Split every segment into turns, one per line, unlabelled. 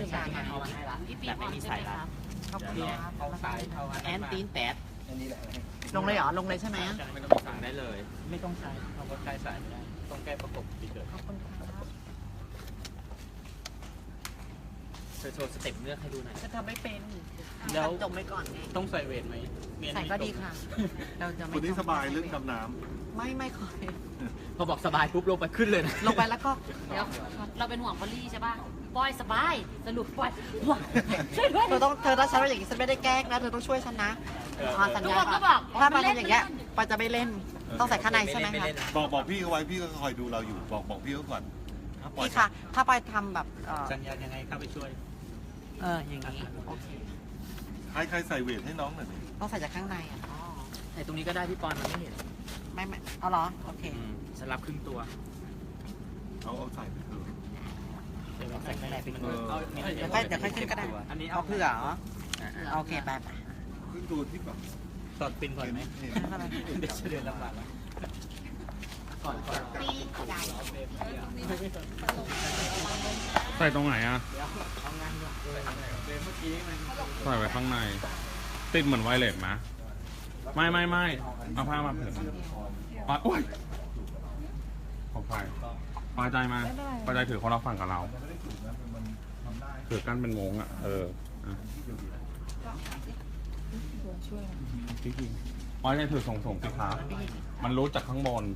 ริการนะ
เอามาให้ละ
พี่ปี
แต่ไม่มีสายลัด
ขอบคุณ
เดี๋ยว
ครับ
เอาสายเอาแอนตีนแตด
ลงเลยเหรอลงเลยใช่ไหม
ไม่ต้องสั่งได้เลย ไม่ต้องใช้เอาก็ใช้สายไม่ได้ต้องแก้ประกบปิดเลย
ขอบคุณครับ
โชว์สเต็ปเลือกให้ดูหน่อย
จะทำไม่เป็น
แล้ว
จมไว้ก่อนไง
ต้องใส่เวทไหมเมียน
ใส่ก็ดีค่ะ เราจะไม่
คนนี้สบายเรื่องดำน้
ไม่ค่อย
พอบอกสบายปุ๊บลงไปขึ้นเลยนะ
ลงไปแล้วก็
เดี๋ยวเราเป็นห่วงพอลลี่ใช่ป่ะปอยสบายสรุปปอยห่วงช่วยด้วย
เธอถ้าฉันว่าอย่างนี้ฉันไม่ได้แกล้งนะเธอต้องช่วยฉันนะสัญ
ทุก
ญา
คนก็บอก
ถ้ามาทำอย่างเงี้ยปอยจะไม่เล่นต้องใส่ข้างในใช่ไหมคะ
ำบอกพี่เขาไว้พี่ก็คอยดูเราอยู่บอกพี่เขาก่อน
พี่คะถ้าปอยทำแบบ
สัญญายังไงเข้าไปช่วย
อย่างนี้โอเค
ใครใส่เวทให้น้องหน่อยดิ
ต้องใส่จากข้างในอ่ะ
ไอ้ตรงนี้ก็ได้พี่ปอนมันไม่เห็น
ไม่เอาเหรอโอเค
สลับครึ่งตัว
เอาใส่ไปเถอะ
เดี๋ยวใส่ข้างในเป็น
เดี๋ยวค่อยขึ้นก็ได้
อันนี้
เอาเผื่อเหรอโอเคไป
ขึ้นตัวที่แบบ
ตอนปินก่อนไหม
เห็น
เดี๋ยวจะเดินลำบากแล้วก่อน
ปีใหญ่
ใส่ตรงไหนอ่ะ
เอางานก่อนเมื่อกี้มัน
ใส่ไว้ข้างใน ติดเหมือนไวเลสไหมไม่เอาผ้ามาเผื่อโอ๊ยของใครปลาใจมาปลาใจถือคนละฝั่งกับเราถือกันเป็นวงอ่ะพี่ปลาใจถือส่งสิคะมันรู้จากข้างบน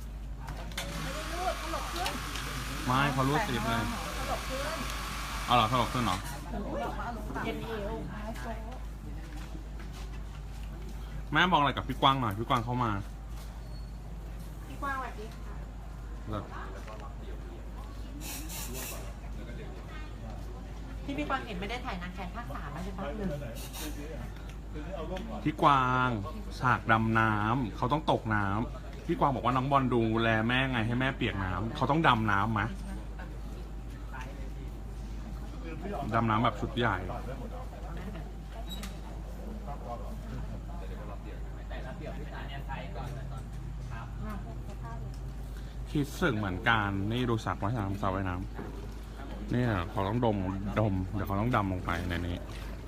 ไม่เขารู้ติดเลยเอาเหรอถลกขึ้นเหรอแม่บอกอะไรกับพี่กวางหน่อยพี่กวางเข้ามา
พี่กว้างสวัสดีค่ะพี่กวางเห็นไม่ได้ถ่ายนางแคนภาค3แล้วใช่ปะหนึ่ง
พี่กวางฉากดำน้ำเขาต้องตกน้ำพี่กวางบอกว่าน้องบอลดูแลแม่ไงให้แม่เปียกน้ำเขาต้องดำน้ำไหมดำน้ำแบบชุดใหญ่คิดสึกเหมือนกันนี่ดูสักว่ายน้ำสระว่ายน้ำเนี่ยเขาต้องดมเดี๋ยวเขาต้องดำลงไปในนี้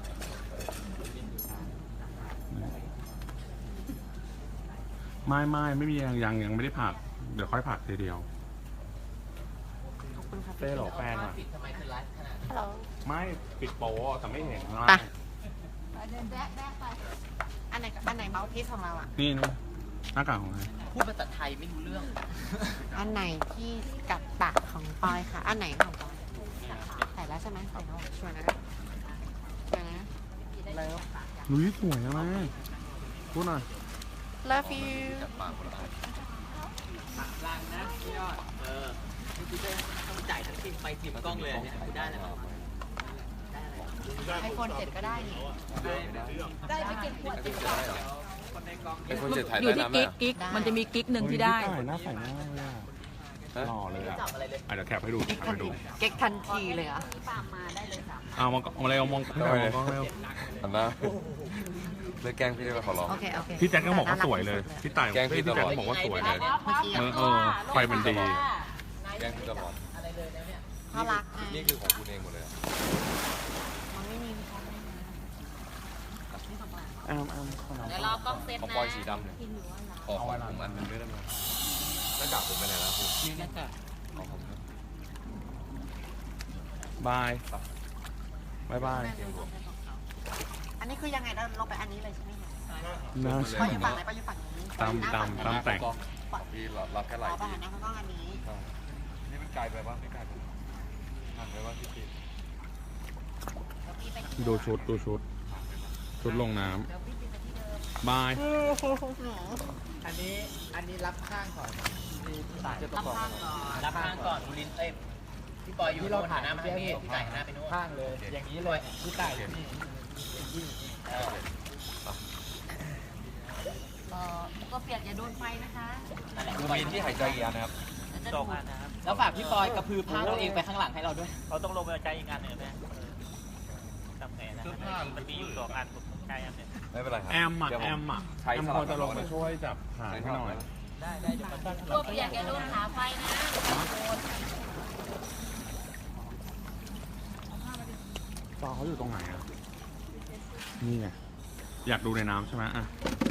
ไม่มียังไม่ได้ผักเดี๋ยวค่อยผักทีเดียวเต้หรอแฟนอ่ะ
ทำไมคือไลฟ์ขนาด
ฮัลโหล
ไม่ปิดโป๊ะแต่ไม่เห็นข้าง
ไป
ล่าง
อันไหนเมาส์พีซของเราอ่ะ
นี่หน้ากากของใคร
พูดภาษาไทยไม่รู้เรื่อง
อันไหนที่กัดปากของปอยค่ะ อันไหนของปอยใส่แล้วใช่ไหมใส่แล้วชัวร์นะชัวร์นะเลิฟ
ลุยสวยนะแม่พูดหน่อย
love you
ลังนะพี่ยอดคือจะต้องจ่ายทั้งทีมไปทีมกล้องเลยเนี่ยคือได้แล้ว
ไอโฟน7ก็ได้นี่
ได้ไปกินขวด
คนในกล้อง
ไอคนเจ็ดถ่าย
อยู่
ได้
ที่
นะ
กิ๊กมันจะมีกิ๊กหนึ่งที่ได้
ถ่ายหน้าใส่หน้าเลยอ่ะหล่อเลยอ่ะเดี๋ยวแคปให้ดู
เก๊ก
แคป
ทัน
ให้ดู
ทีเก๊กทันทีเลยเหรอ่ะ
ปามมาได้เลย3
เอามองอะไรเอามองกล้องเร็ว
อันนะเลยแกล้งพี่ได้ไหมขอร้อง
โอเคโอเค
พี่แจ็คก็บอกว่าสวยเลยพี่ต่าย
แกล้งพี่
พี่
ตล
แจ็ค
อด
ก็บอกว่าสวยเลย ไฟมันดี
แกล้งพี่ตลอด
อะไรเลยนะเนี่ย
น่ารักไง
นี่คือของคุณเองหมดเลยอะ
มันไม่มี
เดี๋ยวรอกล้องเซต
ของ
นะ
ปอยสีดำเนี่ยขอผมอันหนึงด้วยได้ไหมหน้ากากผมไปไหนแล้วคุณ
นี่น่าจะ
เอาผมครับ
บายบาย
อันนี้คือยังไงเราลงไปอันนี้เลยใช่ไหมคะ
น่า
ปอ
ใช่
ยอยู่ฝั่งไหนปอยอยู่ฝั่งนี้
ตามแต่ง
ของพี่รับแค่ไหล
อ๋อปอย
ที่
หันหน้าเข้ากล้องอันนี้
นี่มันไกลไปบ้างไม่ไกลไปห่างไปบ้างพี่ปี
ดูชุดลงน้ำบาย
อันนี้รับข้างก่อนสายจะ
รับข้างก่อน
รับข้างก่อนบุรินเอ้ยพี่ปอยอยู่โน่นหันหน้ามาทางนี้พี่ต่ายหันหน้าไปโน่นข้างเลยอย่างนี้เลยพี่ต่ายอยู่นี่
ก็เปียกอย่าโดนไฟนะคะ
ดูมีที่หายใจอีกอันนะครับ
เดี๋ยวจะ
ส
ดู
องอันนะครับแล้วฝากพี่ปอยกระพือผ้าตัวเองไปข้างหลังให้เราด้วยเราต้องลงไปใจอีกอันหนึ่งนะทำไงนะมันมีอยู่2 อันผมใช้อันหนึ่ง
ไม่เป็นไรครับ
แอม
เดี๋ยวผม ใช้
แอม
ส
พ
ลั
อบ จะลง
กั
มาน ช่วยจับหาง
ใช้
ให้
สลับ
หน่อย
กัน
ได้เดี๋ยวมัน
ตัวเปียกอย่าโดนขาไฟนะ
พ
จอเขาอยู่ตรงไหนอ่ะ นี่ไง อยากดูในน้ำใช่ไหมอ่ะ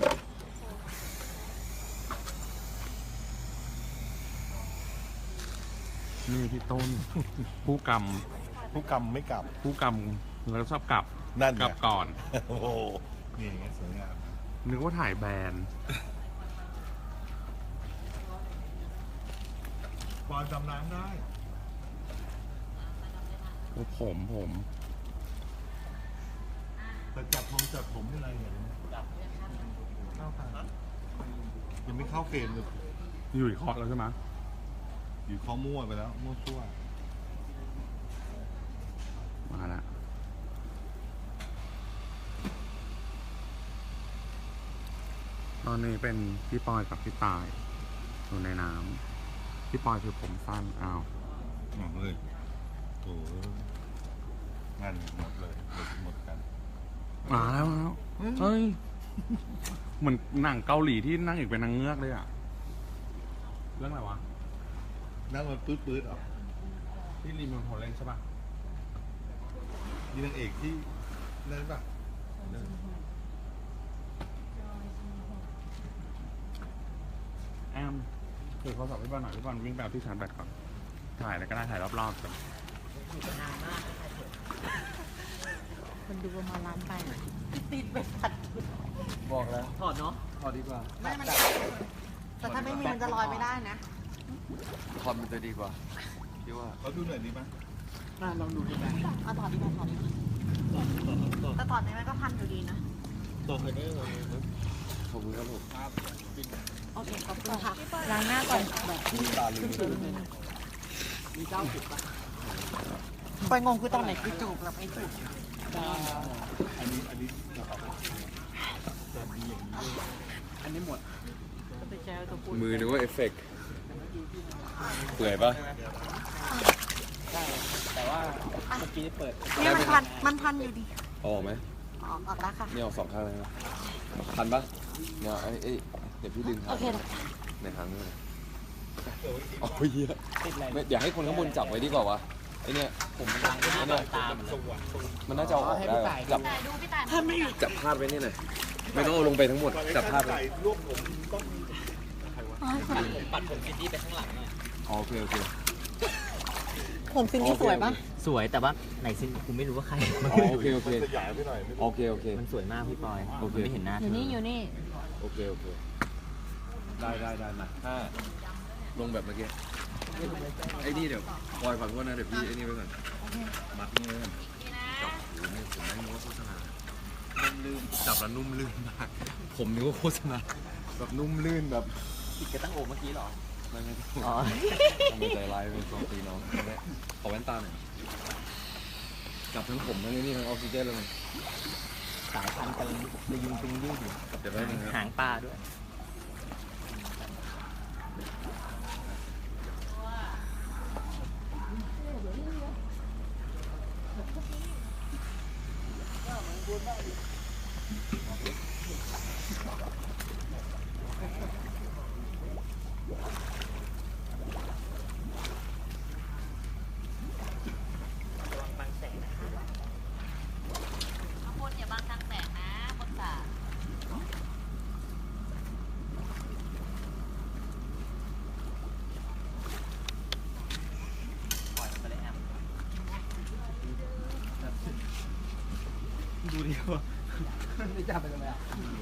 นี่พี่ต้น ผู้ก
ผู้กรรมไม่กลับ
ำผู้กำแล้วชอบกลับ
นั่นไง
กลับก่อน
โอ้โหนี่ไงสวยงาม
นึกว่าถ่ายแบรนด์
ปอนจำน้ำได้
ผม
แต่จับผมยังไงเนี่ยเข้าทางยังไม่เข้าเฟรมเลย
อยู่อีกเคาะแล้วใช่ไหม
อยู่ข้อมั่วไปแล้ว มั่วซั่ว
มาแล้วตอนนี้เป็นพี่ปอยกับพี่ตายอยู่ในน้ำพี่ปอยคือผมสั้นอ้าว
หมดเลยโอ้งานหมดเลยหมดกัน
มาแล้วเฮ้ยเหมือนหนังเกาหลีที่นั่งอีกเป็นนางเงือกเลยอ่ะ เรื่องอะไรวะ
นั่งมันปื๊ดๆออก
ที่รีมิวโฮเล่นใช่ป่ะ
นี่นางเอกที่นั่นป่ะ
แอมถือโทรศัพท์พี่บอลหน่อยพี่บอลวิ่งไปเอาที่ชาร์จแบตก่อน ถ่ายแล้วก็ได้ถ่ายรอบๆก่อน
มันดูประมาณล้านไป
ติดไปผัด
บอกแล้ว
ถอดเนาะ
ถอดดีกว่า
ไม่มันแต่ถ้าไม่มีมันจะลอยไม่ได้นะ
ถอดมันจะดีกว่าพี่ว่า
เขาดูหน่อยดีไหม
เอาถอดดีกว่าถอดดีกว่าแต่ถอดนี้มันก็พันอยู่ดีนะ
ขอบคุณครับผม
โอเคขอบคุณค่ะล้างหน้าก่อนไปงงคือตอนไหนคือจูบแล้วไม่จูบ
มือนึกว่าเอฟเฟกต์เปื่อยปะ
เนี่ยมันพันอยู่ดี
เอาออกไหม
ออกแล้วค่ะ
นี่เอาสองข้างเลยนะทันปะเนี่ยเดี๋ยวพี่ดึง
โอเค
ในทางนี้โอ้ยเหี้ยไม่เดี๋ยวให้คนข้างบนจับไว้ดีกว่าวะไอเนี่ยผมมันเนี่ยมันน่าจะเอาออกได้วะจับ
ดูพี่ตาย
จับพาดไว้นี่หน่อยไม่ต้องเอาลงไปทั้งหมดจับพาดไว้
ปัดผมซินดี้ไปข้างหลังหน่อย
อ๋อโอเค
ผมซินนี่สวยปะ
สวยแต่ว่าไหนซินกูไม่รู้ว่าใคร
อ๋อโอเค
ขยายไปหน่อย
โอเค
มันสวยมากพี่ปอย
โอเค
ไม่เห็นหน้า
อยู่นี่อยู่นี่
โอเคได้มาถ้าลงแบบเมื่อกี้ไอ้นี่เดี๋ยวปล่อยฝั่งพวกนะเดี๋ยวพี่ไอ้นี่ไว้ก่อนมัดนี่ไว้ก่อนจับหูนี่ผมไม่รู้ว่าโฆษณานุ่มลื่นจับแล้วนุ่มลื่นมากผมนึกว่าโฆษณาแบบนุ่มลื่นแบบ
ติดกระตั้งโอเมื่อกี้เหรอ
ไม่
อ๋อ
ไม่ใจร้ายเป็นของตีน้องขอแว่นตาหน่อยจับทั้งผมทั้งนี่ทั้งออกซิเจนเลย
สายพันธุ์กันเลยยิงตึงยืดอยู่
เดี๋ยวแป๊บนึงครับ
หางปลาด้วย
ข้างบนอย่าบังทางแสงนะบนสระ
ปล่อยมันไปเลยแอม
ดูดิว่าไม่จับไปทำไมอ่ะ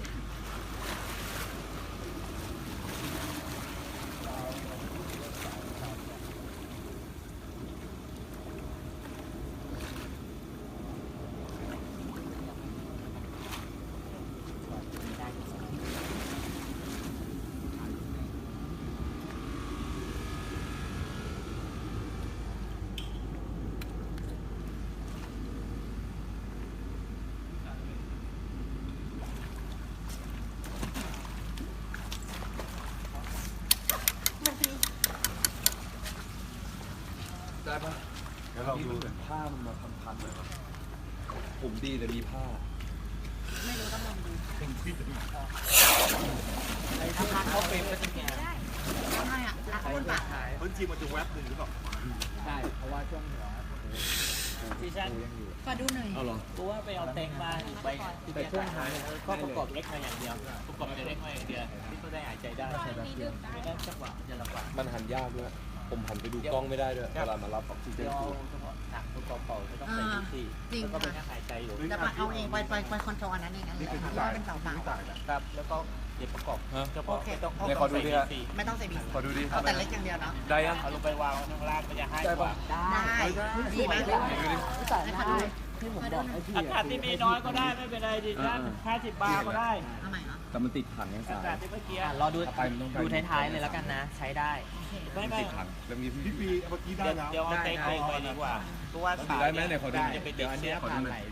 ได้ปะ
เดี๋ยวเราดู
ผ้ามันมาพันๆหน่อยปะผมดีแต่มีผ้า
เข้าเฟรมก็จะแก่
ทำไมอ่ะรักบนปาก
พื้นที่มันจะแวบหนึ่งหรือเปล่า
ใช่เพราะว่าช่วงหัวที่ฉัน
ขอดูหน่อย
เอาเหรอ
กูว่าไปเอาเต็งมาอีกใบแต่ช่วงท้ายก็ประกอบเล็กมาอย่างเดียวประกอบเล็กมาอย่างเดียวที่ก็ได้หายใจได้ไม่ได้จังหวะจะลำบาก
มันหันยากด้วย ผมหันไปดูกล้องไม่ได้ด้วย เวลามารับออกซิเจ
เดี๋
น
ยว
คือ
เฉพาะหนักประกอบเป่าจะต้องใส่ดีซีแล้วก็เป็นแค่หายใจอยู่
จะมาเอาเองไปคอนโทรลอันนั้นเองอันนี้เป็นเสาเปล่า
ครับแล้วก็เดี๋ยวประกอบเฉพาะไม่ต้อง
เนี่ยขอดูดิฮะ
ไม่ต้องใส่บี
ขอดูดิ
เอาแต่เล็กอย่างเดียวเนาะ
ได้ยัง
เอาลงไปวางข้างล่างมันจะให้กว่า
ได้ดีไหม
ดูดิ
ให้เขาดู
อากาศที่มีน้อยก็ได้ไม่เป็นไรดิฉัน50 บาทก็ได้
เอาใหม่เนาะ
แต่มันติดถังยัง
อา
สาย
กาศที่เมื่อกี้
รอดู
ไปมันต้องไป
ดูท้ายๆเลยแล้วกันนะ ใช้ได้
ไม่
มัน
ไม่
ติดถังแล้วมี
พี่ปีเมื่อกี้ได้แล้ว
เดี๋ยวเอาเต็งไปดีกว่าเพราะว่า
ได้ไหมเนี่ยขอดู
จะไปติดเชื้อ
ขอดูหน่อย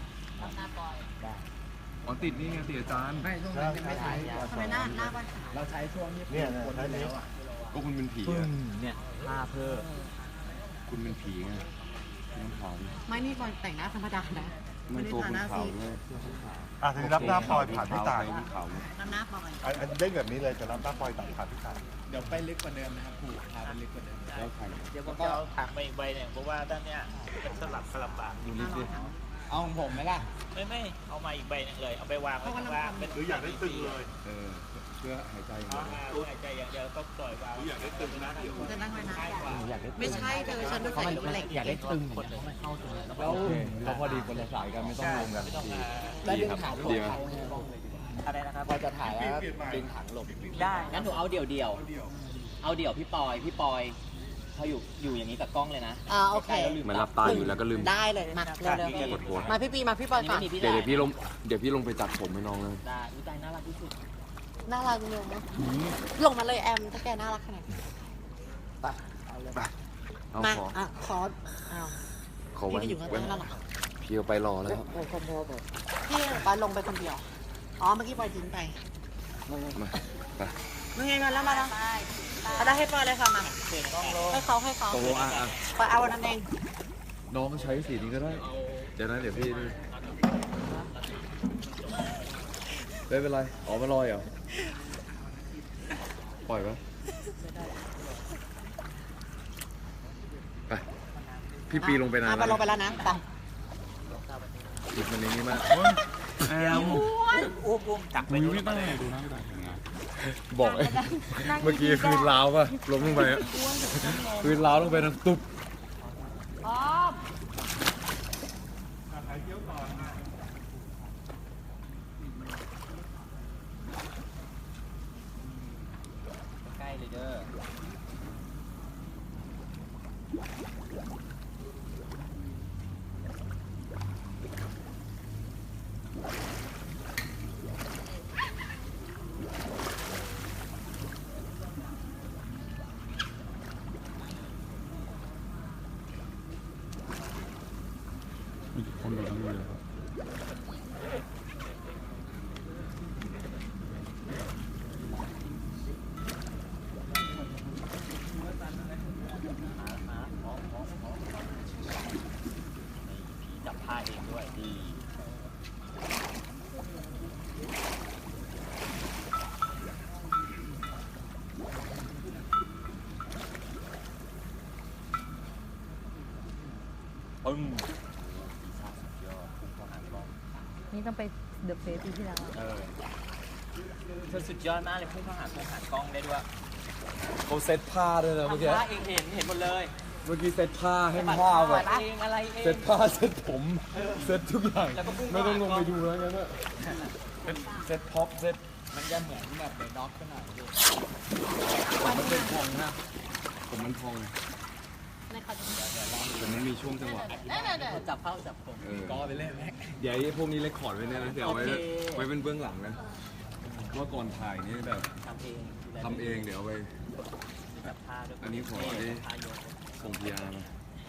อ๋อติดนี่ไงติดอาจารย์
ใช่
ทำไมหน้าบ้านขาว
เราใช้ช่วงนี้
เนี่ยใช้นี้
ก็คุณเป็นผี
ปึ้
อะ
งเนี่ยผ้าเพิ่ม
คุณเป็นผีไงคุณต้องขาวดิ
ไม่นี่บอลแต่งหน้าธรรมดานะ
มันตัวคุณขาวด้วย
อ่ะทีนี้รับหน้าปล่อยผ่านพี่ต่าย
ขาวเลย
น้ำหน้าบอย
อันเล่นแบบนี้เลยจะรับหน้าปล่อยตัดผ่านพี่ต่าย
เดี๋ยวไปลึกกว่าเดิมนะครับผูกพาไปลึกกว่าเดิม
แล้วใคร
เดี๋ยวผมจะเอาถังมาอีกใบหนึ่งเพราะว่าด้านเนี้ยเป็นสลับลำบาก
ดูลิฟต์ดิ
เอาของผมไหมล่ะ
ไม่เอามาอีกใบหนึงเลยเอาไปวางไว้ข้างล่างเป็น
หรืออยากได้ตึงเลย
เออเพื่อหายใจอย่าง
เอา
เดียว
มาเพื่อหายใจอย่างเดียวก็ปล่อยวาง
อยากได้ตึงนะเดี๋ยว
จะนั่งไว้นะ
ง่ายกว่า
อยากได้
ไม่ใช่เธอฉันดูใส่เหล็ก
อยากได้ตึงอย่างเงี้ยเขาไม่เข้าตรงนี้แล้ว
โอเคเราพอดีคนละสายกันไม่ต้องรวมกัน
ไม่ต้อง
ดี
มา
ดีครับดีไหม
อะไรนะครับ
พอจะถ่ายแล้วดึงถังหลบ
ได้
งั้นหนูเอาเดี่ยวเอาเดี่ยวพี่ปอยเขาอยู่อย่างนี้กับกล้องเลยนะ
โอเค
เหมือนหลับตาอยู่แล้วก็ลืม
ได้เลยมาเร็ว
กดหัว
ๆมาพี่ปีมาพี่บอยก่อน
นี่ไม่มีพี่
เดี๋ยว
ได้
พี่ลงไปตัดผมให้น้องเลย
ได้อุ้ยตายน่ารักที่สุด
น่ารักเนอะลงมาเลยแอมถ้าแกน่ารักขนาดนี้
เอา
มา
ขอ
ขอ
ไว้
พี่ก็อยู่ข้าง
ไว้
ๆนั่นแหละ
พี่เอาไปรอแล้ว
พี่บอยลงไปคนเดียวอ๋อเมื่อกี้บอยทิ้งไป
มาไป
มึงไงมาแล้วมาแล้วเอาได้ให้ปอยเลยค่ะมา
เปลี่ยนกล้องโล
ให้เขา
ตกลงอ่ะ
ปอยเอาอันนั้นเอง
น้องใช้สีนี้ก็ได้ เดี๋ยวนะเดี๋ยวพี่นี่ไม่เป็นไรอ๋อมาลอยเหรอปล่อยปะไปพี่ปีลงไปนาน
ไปลงไปแล้วนะไป
หยิบมันในนี้มาก
แอม
อุ้มจักไป
มือ
ดู
พี่ตั้งดูหน้าพี่ตายเห็นไง
บอกไอ้เมื่อกี้พื้นร้าวป่ะล้มลงไปอะพื้นร้าวลงไปทั้งตุ๊บ
ใกล้เลยเด้อ
มีคนดูทั้งเลยครับ
จับผ้าเองด้วยดีปึ้ง
นี่ต้องไปเดอะเฟสปีที่แล้ว
เธอสุดยอดมากเลยพุ่งเข้าหากล้องได้ด้วย
เขาเซ็ตผ้าด้วยนะเมื่อกี้
ทำผ้าเองเห็นหมดเลย
เมื่อกี้เซ็ตผ้าให้ผ้าแบบ
เองอะไรเอง
เซ็ตผ้าเซ็ตผมเซ็ตทุกอย่าง
แล้วก็พุ่ง
ไม่ต้องลงไปดูแล้วงั้นอะเซ็ตพ็อปเซ็ต
มันจะเหมือนแบบเดอะด็อกขนาดนี้
ผมมันเป็นพองนะผมมันพองแต่มันมีช่วงจังหวะ
จับเข้าจับผม
ก็ไปเล่นเดี๋ยวไอ้พวกนี้เรคคอร์ดไว้เนี่ยนะเดี๋ยวเอาไว้เป็นเบื้องหลังนะว่าก่อนถ่ายนี่แบบ
ทำเอง
ทำเองเดี๋ยวเอาไป
จับผ้าด้วย
อันนี้ขอได้
ผ้าโยน
ส่งพีอาร์มา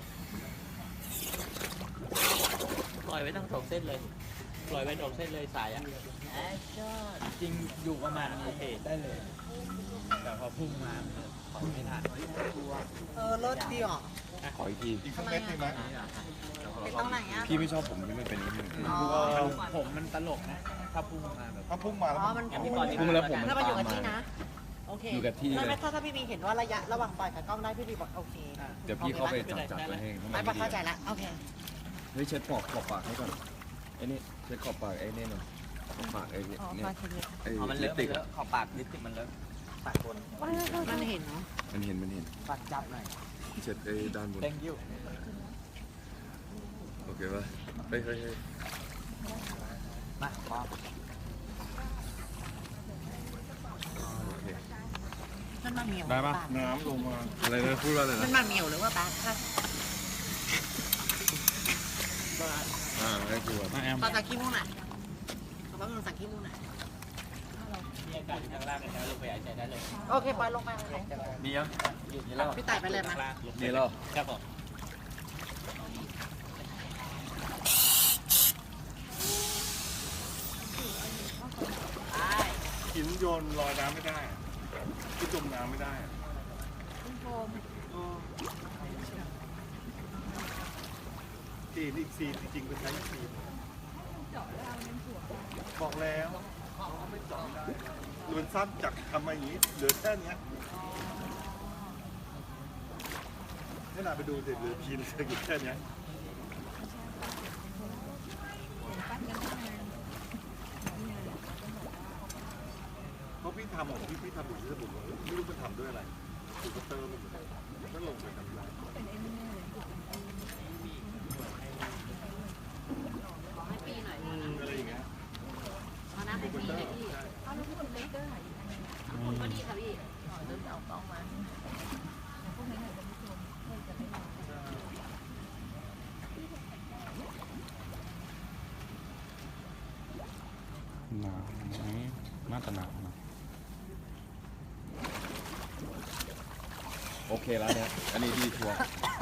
ปล่อยไว้ตั้ง2 เส้นเลยปล่อยไว้2 เส้นเลยสายอ่ะ
แอคชั่น
จริงอยู่ประมาณโอเค
ได้เลย แต่พอพุ่งมาถอยไม่ทัน
รถดีอ่ะ
ขออีกที
อีกสักเม็ดดีไหม
ติดตรงไหนอ่ะ
พี่ไม่ชอบผมที่มันเป็นอย่างนี้
อ๋อ
ผมมันตลกนะ ถ้าพุ่งมาแบบ
ถ้าพุ่งมาแล้ว
อ๋อมัน
อย่างพี่ปอน
พุ่งแล้วผมมัน
ถ้ามาอยู่
ตาม
กับ
มา
ที่นะ โอเค
อยู่กับที่เลย
ไม่ถ้าพี่บีเห็นว่าระยะระหว่างปล่อยกับกล้องได้พี่บีบอกโอเค
เดี๋ยวพี่เข้าไปจับไว้ให้
ไม่ปอยเข้าใจละโอเค
ฮ้ยเช็ดขอบปากให้ก่อนไอ้นี่เช็ดขอบปากไอ้นี่หน่อยขอบปากไอ้เนี่ยไอ้
มันเล
ลิ
อะ
ปสติก
เลอะขอบปากลิปสติกมันเลอะปากบน
มันเห็นเนาะ
มันเห็น
ปากจับหน่อย
เช็ดไอ้ด้านบน
thank you
โอเคป่ะเฮ้ย
มาพร้อม
โอเค
มันมาเหมียว
ได้ปะ
น้ำลงมา
อะไรนะพูดว่าอะไร
มัน
นะ
มาเหมียวหรือว่าปลาค่ะ
ไม่กลัว
น้าแอม
ตอนจากขี้มูกหน่อยเขาบอกมึงสั่งขี้มูกหน่อย
มีอากาศอยู่ข้างล่างเลยนะลงไปหายใจได้เลย
โอเคปล่อยลงไปเลย
ดีแล้วอยู่นี่แล้ว
พี่ต่ายไปเลยมั้ย
นี่เหรอ
ครับผม
หินโยนลอยน้ำไม่ได้ที่จมน้ำไม่ได้ทีนอีกซีจริงๆเป็นใช้ซีบอกแล้วเขาไม่เจาะไม่ได้เรือนสั้นจากทำมาอย่างนี้เหลือแค่เนี้ยให้นาไปดูสิเหลือพีนเหลืออยู่แค่เนี้ยเพราะพี่ทำของพี่ทำอยู่ที่สมุทรไม่รู้มันทำด้วยอะไรถูกกระเตอร์มันก็ลงไปทำอะไร
ขอให้ปีหน่อย
อะไรอย่างเงี้ย
เอาน้ำให้ปีหน่อยพี่เอาลูกคุณเล็กก็ได้คุณก็ดีค่ะพี่เริ่มเอากล้องมา
หนาวไหมน่าจะหนาวนะ
โอเคแล้วเนี่ยอันนี้ดีชัวร์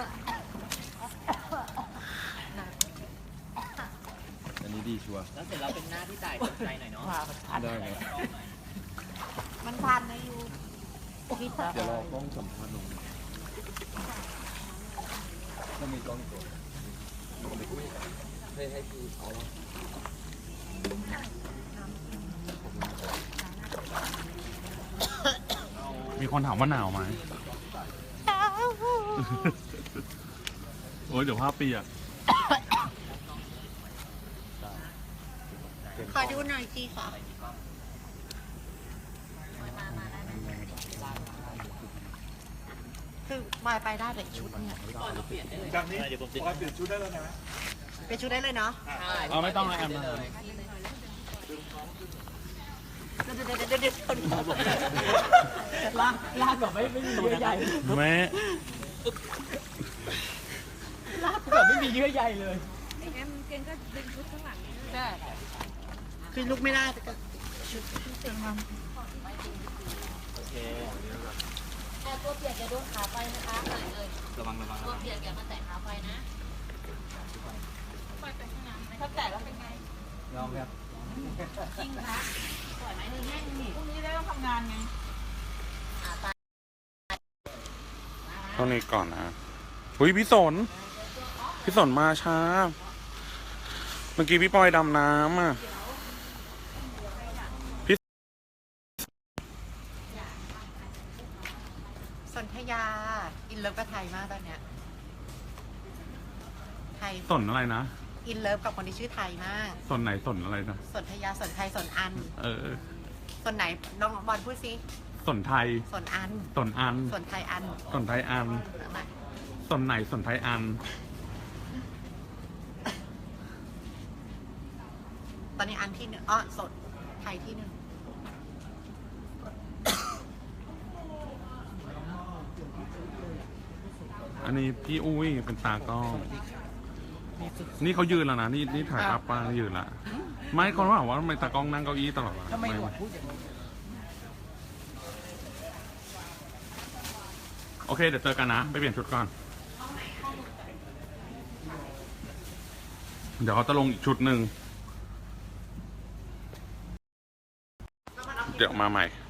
อันนี้ดีชัวร์
แล้วเสร็จเราเป็นหน้าที่จ่ายใจหน่อยเนาะ
ได้ไหม
มันพันนะยู
เดี๋ยวรอกล้องสัมภาษณ์ลงถ้ามีกล้องตัวให้พี่เอาละ
มีคนถามว่าหนาวไหม โอ้ยเดี๋ยวภาพเปียก
ขอดูหน่อยสิค่ะคือมายไปได้แต่ชุดเนี่ย
จากนี้พอเปลี่ยนชุดได้แล้วนะ
เป็นชุดได้เลยเนาะ
เอาไม่ต้องนะแอมนะ
เดี๋ยวคนบอก
ลากแบบไม่มีเยื่อใย
แม่
ลากแบบไม่มีเยื่อใยเลย
คือลุกไม่ได้แต่ก็ชุด
โอเค
แต่ตัวเปียกอย่าโดนขาไฟนะคะไหนเลย
ระวัง
ตัวเปียกอย่ามาแตะขาไฟนะถ้าแตะแล้วเป็นไง
ยอมครับ
จริงคะปล่อยไหมมือแห้งนี่พรุ่งนี้ได้ต้องทำงานไง
เท่านี้ก่อนนะอุ้ยพี่สน พี่สนมาช้า เมื่อกี้พี่ปอยดำน้ำอ่ะ
สนธยา อินเลิฟกับไทยมากตอนเนี้ย ไทย
สนอะไรนะ
อินเลิฟกับคนที่ชื่อไทยมาก
สนไหนสนอะไรนะ
สนธยา สนไทย สนอัน
เออ
สนไหนน้องบอลพูดสิ
สนไทย
สนอัน
สนอัน
สนไทยอัน
สนไทยอัน สนไหนสนไทยอัน
ตอนนี้อันที่หนึ่งอ้อสนไทยที่หนึ่ง
อันนี้พี่อุ้ยเป็นตากล้อง นี่เขายืนแล้วนะ นี่ถ่ายภาพป้ายืนละ ไม่คนว่าทำไมตากล้องนั่งเก้าอี้ตลอดวะ
ทำไมหนวดพูดอย่างนี้
โอเค เดี๋ยวเจอกันนะ ไปเปลี่ยนชุดก่อน เดี๋ยวเขาจะลงอีกชุดหนึ่ง เดี๋ยวมาใหม่